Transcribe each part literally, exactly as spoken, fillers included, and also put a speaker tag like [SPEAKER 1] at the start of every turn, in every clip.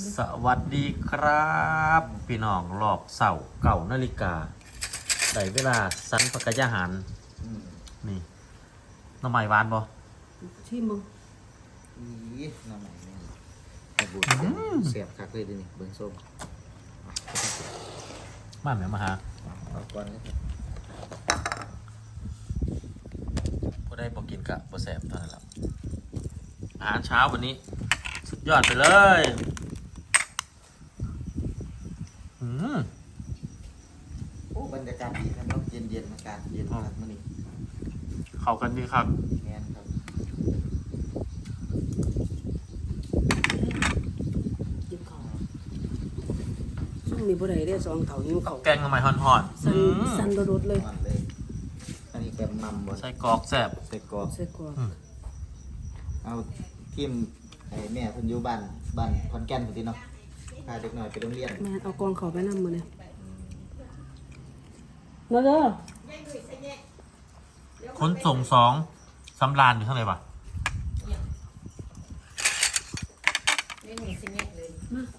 [SPEAKER 1] สวัสดีครับพี่น้องหลอกเสาเก่านาฬิกาได้เวลาสันปกยาหารนี่น้ำใหม่หวานบ่
[SPEAKER 2] ที่มึง
[SPEAKER 3] อีน้ำใหม่เนี่ยไอ้บุญเสียบคักเลยดินี่เบิ้งส้ม
[SPEAKER 1] มาแม่มาหา
[SPEAKER 3] เอาก่อนเลยครับ
[SPEAKER 1] บ่ได้บ่กินกะบ่แสบเท่านั้นแหละอาหารเช้าวันนี้ สุดยอดไปเลย อืม
[SPEAKER 3] โอ้บรรยากาศดีครับเนาะเย็นเย็นๆอากาศเย็นครับมื้อนี้
[SPEAKER 1] เข้ากันดีครับ
[SPEAKER 3] แม่นครับ
[SPEAKER 2] ยิ้มเขาซุ่มมีผู้ใดได้สองเถายิ้มเขา
[SPEAKER 1] แกงน้ำใหม่ห่อน
[SPEAKER 2] สัน
[SPEAKER 1] ๆอืม
[SPEAKER 2] สันโดดๆเลย
[SPEAKER 3] อ่อนเลยอันนี้แบบมัมบ่
[SPEAKER 1] ใส่กรอกแสบ
[SPEAKER 3] ใส่กรอก
[SPEAKER 2] ใส่กรอก
[SPEAKER 3] เอาทิมไอ้แม่เพิ่นอยู่บ้านบ้านขอนแก่นพุ่นติเนาะพาเด็กน้อยไปโรงเรียน
[SPEAKER 2] แม่เอากองเขาไปนำมือเนี่ยมาเด้อ
[SPEAKER 1] ขนส่งสองสำรานอยู่ข้างในปะ
[SPEAKER 4] ไม่มีสิเม็ดเลย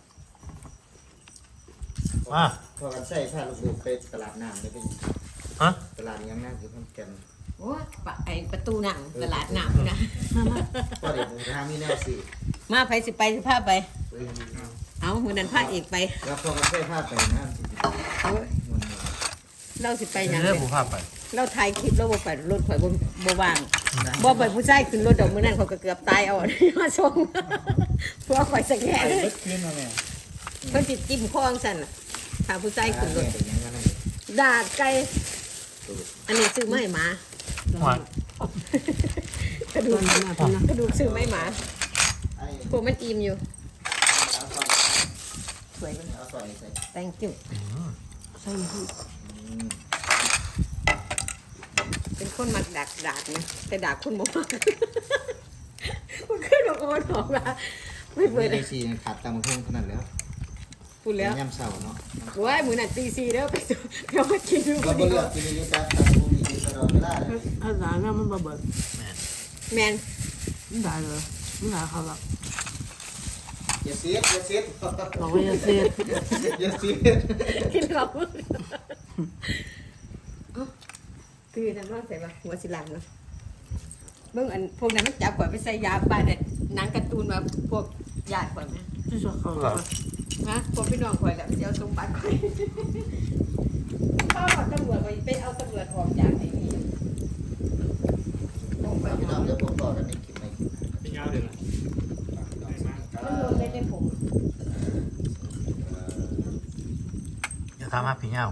[SPEAKER 1] มา
[SPEAKER 3] พอกันใส่พาลูกๆไปตลาดน้ำได้เป็น
[SPEAKER 1] ฮะ
[SPEAKER 3] ตลาดยังน้ำอยู่ขอนแก่น
[SPEAKER 4] โอ้ปะไอประตูหนังตลาดหนังนะ
[SPEAKER 2] มามา
[SPEAKER 3] ก็เดี๋ยวผมทางมีแนวสิ
[SPEAKER 4] มาไปสิไปสิพาไป
[SPEAKER 3] เออ
[SPEAKER 4] เอามือนั้นพาเอกไป
[SPEAKER 3] แล้วพอกันใส่ผ้าไปน้ำสิ
[SPEAKER 4] เอา
[SPEAKER 3] มัน
[SPEAKER 4] เราสิไปหยัง
[SPEAKER 1] เรื่
[SPEAKER 4] เล
[SPEAKER 1] อง
[SPEAKER 4] ย
[SPEAKER 1] ผู้ภาพไป
[SPEAKER 4] เราถ่ายคลิปเราบ่ไปรถข่อยบ่บ่ว่างบ่ไปผู้ชายขึ้นรถดอกมือนั้นเขาก็เกือบตายเอา มาส่งพวกข่อยสแกน
[SPEAKER 3] ไปเบิดขึ้นมาแม่
[SPEAKER 4] เพิ่นสิจิ้มคองสั่นน่ะถ้าผู้ชายขึ้นรถ
[SPEAKER 3] เป็นยังไงนั่น
[SPEAKER 4] ดาดไก่อันนี้ซื้อมาให้หมา
[SPEAKER 1] หวาน
[SPEAKER 4] กระดูก
[SPEAKER 2] มามาพี่นะ
[SPEAKER 4] กระดูกซื้อมาให้หมา
[SPEAKER 3] ไอ้
[SPEAKER 4] พวกมันอิ่มอยู่
[SPEAKER 3] เอาซอย
[SPEAKER 4] สวยจัง
[SPEAKER 3] เอาซอยใส่
[SPEAKER 4] thank you
[SPEAKER 2] ใส่พี่
[SPEAKER 3] อืม
[SPEAKER 4] เป็นคนมักดักดากนะแต่ดากคุณบอกว่าคุณขึ้นบอกโอนออกมาไม่เปิ
[SPEAKER 3] มี
[SPEAKER 4] ด
[SPEAKER 3] ได้ชีขาดตามเพิ่มขนาดแล้ว
[SPEAKER 4] พูดแล้ว
[SPEAKER 3] ย่ำเสาเนาะ
[SPEAKER 4] ว้ายมือนั่นตีซีแล้วไปดูเดี๋ยวมากินดู
[SPEAKER 3] เรา
[SPEAKER 4] พอ
[SPEAKER 3] บ่
[SPEAKER 4] ดี
[SPEAKER 3] เลือกกินอยู่แต่ตามผู้มีกินตลอดเวลาเลย
[SPEAKER 2] อาสาเนี่ยมันบ่เบิด
[SPEAKER 4] แมน
[SPEAKER 2] มันได้เลยมันได้เขาละ
[SPEAKER 3] อย่าเสียดอย่าเสียด
[SPEAKER 2] บอกว่าอย่าเสียด
[SPEAKER 3] อย่าเสียด
[SPEAKER 4] กินเราคือนั่นว่าใส่ปะหัวสิลังเนาะเบิ่งอันพวกนั้นมันจับข่อยไปใส่ยาบ้านเนี่ยหนังการ์ตูนมาพวกญาติข่อยไหม
[SPEAKER 2] ที่ชอบเขาละ
[SPEAKER 4] ฮะพวกพี่น้องข่อยกับเจ้าสมบัติข่อยพ่อตำรวจไปไปเอาตำรวจออกจากไอ้นี่ลงไป
[SPEAKER 3] พี่น้องเดี๋ยวผมบอกกันในคลิปใน
[SPEAKER 5] เป็นยาวเลยนะ
[SPEAKER 4] มันลงได้ในผม
[SPEAKER 1] อย่าทำมาผีเงา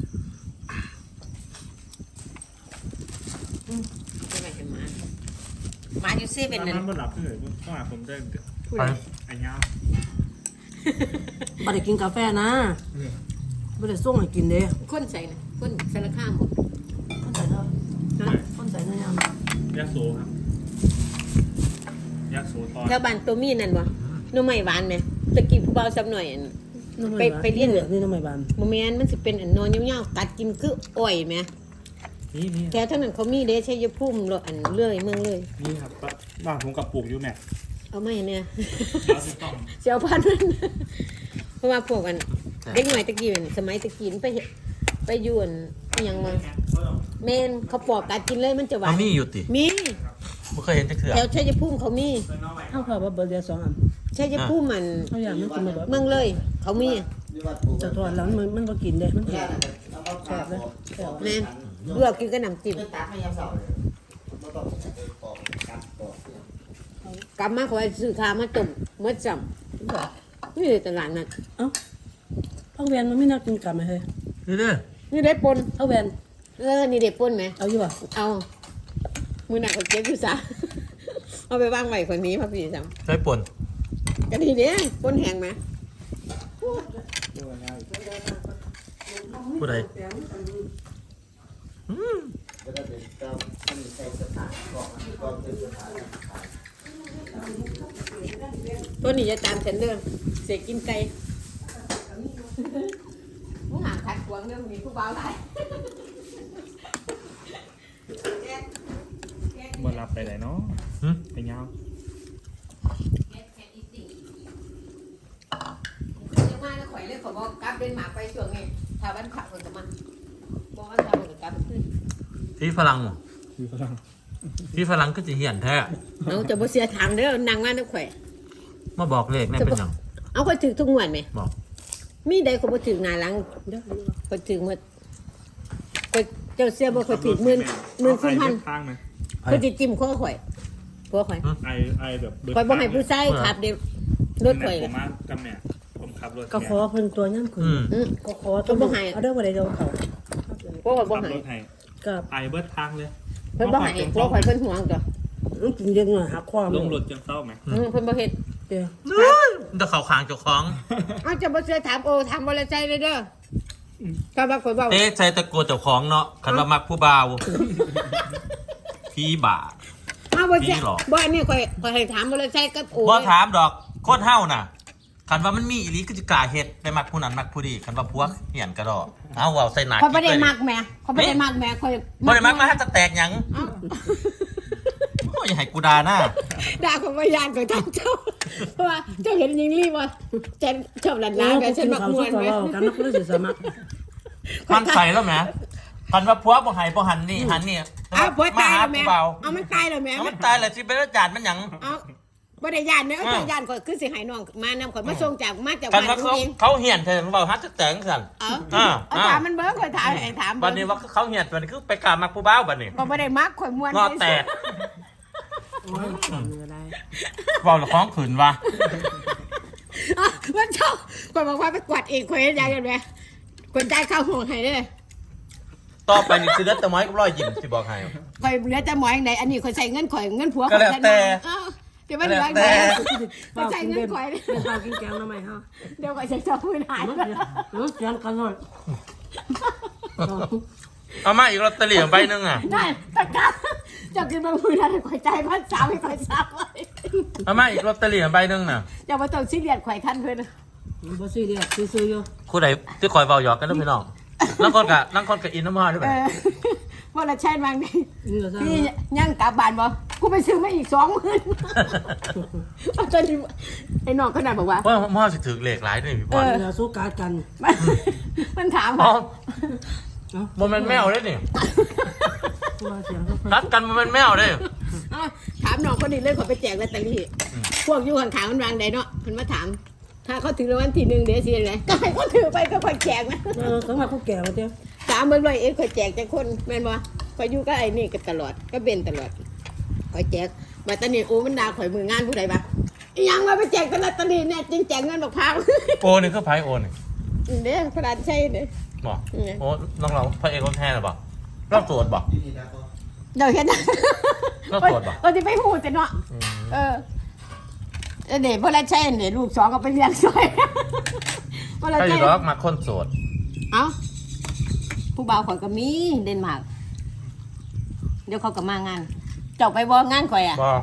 [SPEAKER 4] ไม่ไหวเห็นหมาหมาอยู่เซเว่นนั่น
[SPEAKER 5] น้ำมันหลับเลยต้องหาผมได้
[SPEAKER 1] ไป
[SPEAKER 5] ไอ้ยาว
[SPEAKER 2] บ่ได้กินกาแฟนะบ่ได้ส่งให้กินเด้
[SPEAKER 4] คนใส่นะคนสารข้ามหมด
[SPEAKER 2] คนใส่เท่าคนใส่เนื้อย่าง
[SPEAKER 5] ยาโซครับยาโซตอน
[SPEAKER 4] แถวบ้านตัวมีนั่นวะหน้ำไม้หวานไหมตะกี้ผู้เบาสักหน่อยอัน ไปไปเรียน
[SPEAKER 2] นี่น้ำไม่บาน
[SPEAKER 4] โมเมนมันสิเป็นอันนอนยาวๆตัดกินคืออ้อยไหม
[SPEAKER 5] นี่นี่
[SPEAKER 4] แถวเท่านั้นเขามีเด้ใช้ยาพุ่มรอันเลื่อยเมืองเลย
[SPEAKER 5] นี่ครับบ้านผมกับปลูกอยู่แม่
[SPEAKER 4] เอาไม่เนี่ย
[SPEAKER 5] ยาโซต้อง
[SPEAKER 4] เสียวพันมันเพราะว่าพวกอันเด็กหน่อยตะกี้อันสมัยตะกี้มันไปเฮ็ดไปอยวนอิหยังมาแม่นเขาปอกกัดกินเลยมันจะหวา
[SPEAKER 1] เอา
[SPEAKER 4] น
[SPEAKER 1] มีอยู่ติ
[SPEAKER 4] มี
[SPEAKER 1] ไม่เคยเห็นจักเถื่อ
[SPEAKER 4] แถวชัยภูมิเขามี
[SPEAKER 2] เท่ากับว่าเบิดเดียวสองอัน
[SPEAKER 4] ชัยภูมิมัน
[SPEAKER 2] เท่าอย่างมันกินบ่เบิด
[SPEAKER 4] เมืองเลย เขามี
[SPEAKER 3] ที่วัดปู่
[SPEAKER 2] จะทอดแล้วมันมันบ่กินเด้มัน
[SPEAKER 3] แค่
[SPEAKER 2] แห้ง
[SPEAKER 3] นั้นเอามาแซ่บเลย
[SPEAKER 4] แม่นลวกกินกับน้ำจิ้ม
[SPEAKER 3] ไม่ตัดไม่ย่ำเสาเลยไม่ต้องปอกกัดปอก
[SPEAKER 4] กลับมาขอให้ซื้อทามาต้มเมื่อจำนี่ตลาดนัด
[SPEAKER 2] เอ้าพักเวียนมันไม่น่ากินกลับไหมเฮ้ย
[SPEAKER 1] นี่เด้อ
[SPEAKER 4] นี่ได้ปน
[SPEAKER 2] พักเวียน
[SPEAKER 4] เออนี่ได้ปนไหม
[SPEAKER 2] เอาอยู่ป่ะ
[SPEAKER 4] เอามือหนักกว่าเก็บอยู่ซะ เอาไปวางไว้คนนี้พ่อพี่จ
[SPEAKER 1] ใช้ป่น
[SPEAKER 4] ำก็ดีเด้ปนแห้งไหม
[SPEAKER 1] ผู้ใด
[SPEAKER 3] ก็ได้เป็นเจ้าที่ใส่สถานกอกกอกเป็นสถาน
[SPEAKER 4] ตัวนี้จะตามฉันเด้อเสียกินไก่มึงหางขัดขวางเรื่องนี้ผู้บ่าวหลาย
[SPEAKER 5] มันหลับไปไหนเนาะ
[SPEAKER 1] หึ
[SPEAKER 5] ไอ้ยาว
[SPEAKER 4] เลยเขาบอกกลับเดนมาร์กไปช่วงนี้ถ้าวันขับคนจะมาบอกว่าถ้าคนจะกลับขึ้น
[SPEAKER 1] ที่ฝรั่งบ่
[SPEAKER 5] คือฝรั่ง
[SPEAKER 1] ที่ฝรั่งก็จะเหียนแท้
[SPEAKER 4] เอาจะบ่เสียทางเด้อนางว่านักข่อย
[SPEAKER 1] มาบอกเลขแม่เป็นหยัง
[SPEAKER 4] เอาข่อยถือทุกงวดไหม
[SPEAKER 1] บอก
[SPEAKER 4] มีใดเขาบ่ถือหน้าหลังเด้อข่อยถือหมดข่อยเจ้าเสียบ่ข่อยถือหมื่นหมื่นสี่พัน
[SPEAKER 5] ข้างไหม
[SPEAKER 4] ข่อยสิจิ้มคอข่อยคอข่อย
[SPEAKER 5] ไอไอแบบเบิด
[SPEAKER 4] ข่อยบ่ให้ผู้ชายขับเด้รถข่อย
[SPEAKER 5] ผมมากับแม่ผมขับรถ
[SPEAKER 2] ก็ขอเพิ่นตัวย่ำขึ้น
[SPEAKER 1] อืม
[SPEAKER 4] อือ
[SPEAKER 2] ก็ขอตัวบ่ให้เอาเด้อบ่ได้เดาเขา
[SPEAKER 4] พวกข่อยบ่
[SPEAKER 5] ขับ
[SPEAKER 4] ให้
[SPEAKER 5] รถให้
[SPEAKER 2] กับ
[SPEAKER 5] ไอเบิดทางเลย
[SPEAKER 4] เพิ่นบ่ให้พวกข่อยเพิ่นห่วงจ้ะ
[SPEAKER 2] มันกินเยอะหน่อยหักความ
[SPEAKER 5] ลงรถจังเศร้าไหม
[SPEAKER 4] อือเพิ่นบ่เฮ็ด
[SPEAKER 2] เดี๋ยว
[SPEAKER 1] เดี๋ยวเขาขางเจ้าของ
[SPEAKER 4] เอาจะบ่เสียถามโอถามบ่ละใจเลยเด้อก็ว่าข่อยเว้า
[SPEAKER 1] เอ๊ะใส่ตะโกนเจ้าของเนาะคันว่ามักผู้บ่าวพี่บ่า
[SPEAKER 4] เอาบ่เสีย
[SPEAKER 1] พี่หรอ
[SPEAKER 4] บ่อันนี้ข่อยข่อยให้ถามบ่ละใจกับโอ
[SPEAKER 1] บ่ถามดอกโคตรเฮาน่ะคันว่ามันมีอีหลีก็จะกล้าเฮ็ดไปมักผู้นั้นมักผู้นี้คันว่าพวกเหียนกระดอกเอาเว้าใส่หนัก
[SPEAKER 4] ข่อยบ่ได้มักแม่ข่อยบ่ได้มักแม่ข่อย
[SPEAKER 1] บ่ได้มักมาให้จะแตกหยัง
[SPEAKER 4] เอ้า
[SPEAKER 1] โอ้ยอย่าให้กูด่าหน้า
[SPEAKER 4] ด่าข่อยบ่ย่านข่อยทำเจ้าเพราะว่าเจ้าเห็นหญิงลีบ่ฉันชอบหลาน
[SPEAKER 2] น้า
[SPEAKER 4] ๆ
[SPEAKER 2] กั
[SPEAKER 4] กัน น
[SPEAKER 2] ฉั
[SPEAKER 4] ฉั
[SPEAKER 2] น
[SPEAKER 4] น
[SPEAKER 2] มา
[SPEAKER 4] มัก
[SPEAKER 2] เขา
[SPEAKER 4] ม่ว
[SPEAKER 2] สู้
[SPEAKER 4] น
[SPEAKER 2] กับ
[SPEAKER 4] แม่
[SPEAKER 2] เรากันนักเลือดสมัคร
[SPEAKER 1] มันใส่แล้วแหมคันว่าผัวบ่ให้บ่หันนี่หันนี่
[SPEAKER 4] อ้าวผัวตาย
[SPEAKER 1] ห
[SPEAKER 4] แล้วแม่
[SPEAKER 1] ผู้บ่าว
[SPEAKER 4] เอามันตายแล้วแม่
[SPEAKER 1] เอามันตายแล้วสิเป็นอาจารย์มันหยัง
[SPEAKER 4] เอาบ่ได้ย่านเด้อ
[SPEAKER 1] อ้าว
[SPEAKER 4] เจ้าย่านข่อยคือสิให้น้องมานำข่อยมาส่งจากมาจาก
[SPEAKER 1] คัน
[SPEAKER 4] บ้าน
[SPEAKER 1] ว่าเขา
[SPEAKER 4] เอง
[SPEAKER 1] เขาเหียนเธอเว้าฮัดจะแตกสั่น
[SPEAKER 4] เอ้า
[SPEAKER 1] อ้าว
[SPEAKER 4] เอาถามมันเบิ่งข่อยถามให้ถาม
[SPEAKER 1] บัดนี้ว่าเขาเหียนบัดนี้คือไปกล้ามักผู้บ่าวบัดนี้
[SPEAKER 4] บ่บ่ได้มักข่อยม่วน
[SPEAKER 1] งอแตก
[SPEAKER 2] โอ้ยเหนื่อยอะไร
[SPEAKER 1] เว้าแล้วของขืนว่ะ
[SPEAKER 4] อ้าวมันชอบข่อยบอกว่าไปกวาดเองข่อยเฮ็ดหยังกันแม่คนจ่ายค่าห้องให้เด้อ
[SPEAKER 1] ต่อไปนี่คือเลือดตะไม้กับรอยยิ้มสิบอกให้
[SPEAKER 4] ข่อยเหลือแต่หมออย่างใดอันนี้ข่อยใส่เงินข่อยเงินผัว
[SPEAKER 1] ก็แล้วแต่
[SPEAKER 4] เอ้าเดี๋ยวมันเหลือไหน
[SPEAKER 1] ก็แล้วแต่
[SPEAKER 4] ข่อยใส่เงินข่อยเด้อ
[SPEAKER 2] เป็นข้าวกินแกงทำไมฮะ
[SPEAKER 4] เดี๋ยวข่อยจะชอบพื้นหาย
[SPEAKER 2] มันเดี๋ยวเสียงกันหน่อย
[SPEAKER 1] เอามาอีกลอตเตอรี่ใบหนึงอ่ะ
[SPEAKER 4] ได้ตะกร้าจะกินบางพื้นอะไรข่อยใจพันสามให้ข่อยสามไว้
[SPEAKER 1] เอามาอีกลอตเตอรี่ใบหนึงน่ะ
[SPEAKER 4] อย่ามาต้องซีเรียสข่อยท่านเพิ่น
[SPEAKER 2] บ่ซื้อเดียวซื้ออยู่
[SPEAKER 1] คู่ใดที่คอยเบาหยอกกันนะพี่น้องนั่งคนกะนั่งคนกะอินน้ำมันด้วย
[SPEAKER 4] เอ
[SPEAKER 1] ไป
[SPEAKER 4] อว่าละใช่บางนี่
[SPEAKER 2] นี่ก็ซะ
[SPEAKER 4] พี่ยังกลับบ้านบ่กูไปซื้อมาอีกสองหมื่นตอนนี้ไอ้น้องขนาดบอกว่า
[SPEAKER 1] เพราะพ่อสิถือเหล็กหลายด้วยพี่พร
[SPEAKER 2] เดี๋ยวสู้การกัน
[SPEAKER 4] มันมันถาม
[SPEAKER 1] อ๋อ
[SPEAKER 2] เนาะ
[SPEAKER 1] โมเมนต์แมวเลยนี่
[SPEAKER 2] ตัวเสียงก็
[SPEAKER 1] รัดกันโมเมนต์แมวเลย
[SPEAKER 4] เอ้าถามน้องคนนี้เลยขอไปแจกลอตเตอรี่พวกอยู่ข้างๆมันวางใดเนาะมันมาถาม ถ้าเขาถือรางวัลที่หนึ่งเดี๋ยวสิอะไรก็ให้เขาถือไปก็ค่อยแจกนะ
[SPEAKER 2] เออสมัครผู้แก่มาเจ้า
[SPEAKER 4] ถามเบิ่งเลยเอ็ค่อยแจกจังคนแม่นบ่ข่อยอยู่กับไอ้นี่ก็ตลอดก็เป็นตลอดข่อยแจกมาตอนนี้โอ้มันด่าข่อยมืองานผู้ใดบ่อีหยังมาไปแจกตลอดตอนนี้เนี่ยจริงแจกเงินบักพร้าว
[SPEAKER 1] โอนี่คือไพ่โอนี่
[SPEAKER 4] เด้อพระราชชัยเด้อ
[SPEAKER 1] บอกโอ้น้องเราพระเอกคนแท้หรือเปล่าเล่าโสดบอก
[SPEAKER 3] ที่นี่นะพ่อ
[SPEAKER 4] เดี๋ยวเห็นนะ
[SPEAKER 1] ก็ตรวจบ่
[SPEAKER 4] เออที่ไปพูดแต่เนาะเออเออเดี๋ยวพระราชชัยเดี๋ยวลูกสองก็ไปเลี้ยงซอยพระราช
[SPEAKER 1] ใคร
[SPEAKER 4] ชั
[SPEAKER 1] จะ
[SPEAKER 4] ย
[SPEAKER 1] ร้องมาคนโสด
[SPEAKER 4] เอ้าผู้บ่าวข่อยก็มีเดนมาร์กเดี๋ยวเขาก็มางานเจ้าไปบ่งานข่อยอ่ะ
[SPEAKER 1] บอก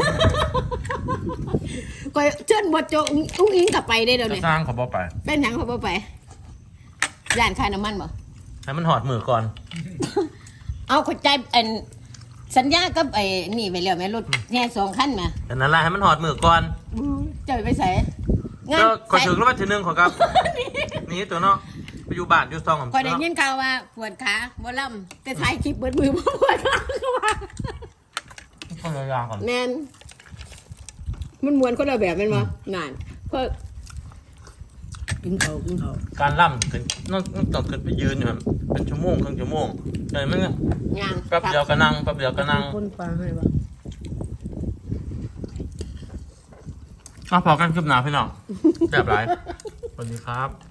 [SPEAKER 4] ข่อยเชิญบทโจอุ้งอิงกลับไปได้เดี๋ยว
[SPEAKER 1] จะ
[SPEAKER 4] นี้
[SPEAKER 1] สร้างเขาบอกไป
[SPEAKER 4] เป็นหยังเขาบ่ไปย่านค่าน้ำมันบ่
[SPEAKER 1] ให้มันหอดมือก่อน
[SPEAKER 4] เอาเข้าใจอันสัญญากับไอ้นี่ไปแล้วแม่รถแห่สองคันมา
[SPEAKER 1] แต่นั่นแหละให้มันหอดมือก่อน
[SPEAKER 4] เจ้าไปใส่งาน
[SPEAKER 1] ก็ขอถึงแล้ววันที่หนึ่งขอครับ นี่ตัวเนาะไปอยู่บ้านอยู่ซองของ
[SPEAKER 4] ข่อยได้ยินข่าวว่าปวดขาบ่ล่ำแต่ถ่ายคลิปเบิดมือบ่ปวดขาเขาว่า
[SPEAKER 1] ก็เลยยาก่อน
[SPEAKER 4] แม่นมันมวนคนละแบบแม่นบ่นั่นก็
[SPEAKER 2] กินเขากินเขา
[SPEAKER 1] การล่ำขึ้นต้องต้องขึ้นไปยืนอยู่ครับเป็นชั่วโมงครึ่งชั่วโมงแต่มัน
[SPEAKER 4] ย่าง
[SPEAKER 1] แป๊บเดียวก็นั่งแป๊บเดียวก็นั่ง
[SPEAKER 2] คนปลาให้บ่
[SPEAKER 1] อ่ะพอกันคืบหน้าพี่น้องแบบไรสวัสดีครับ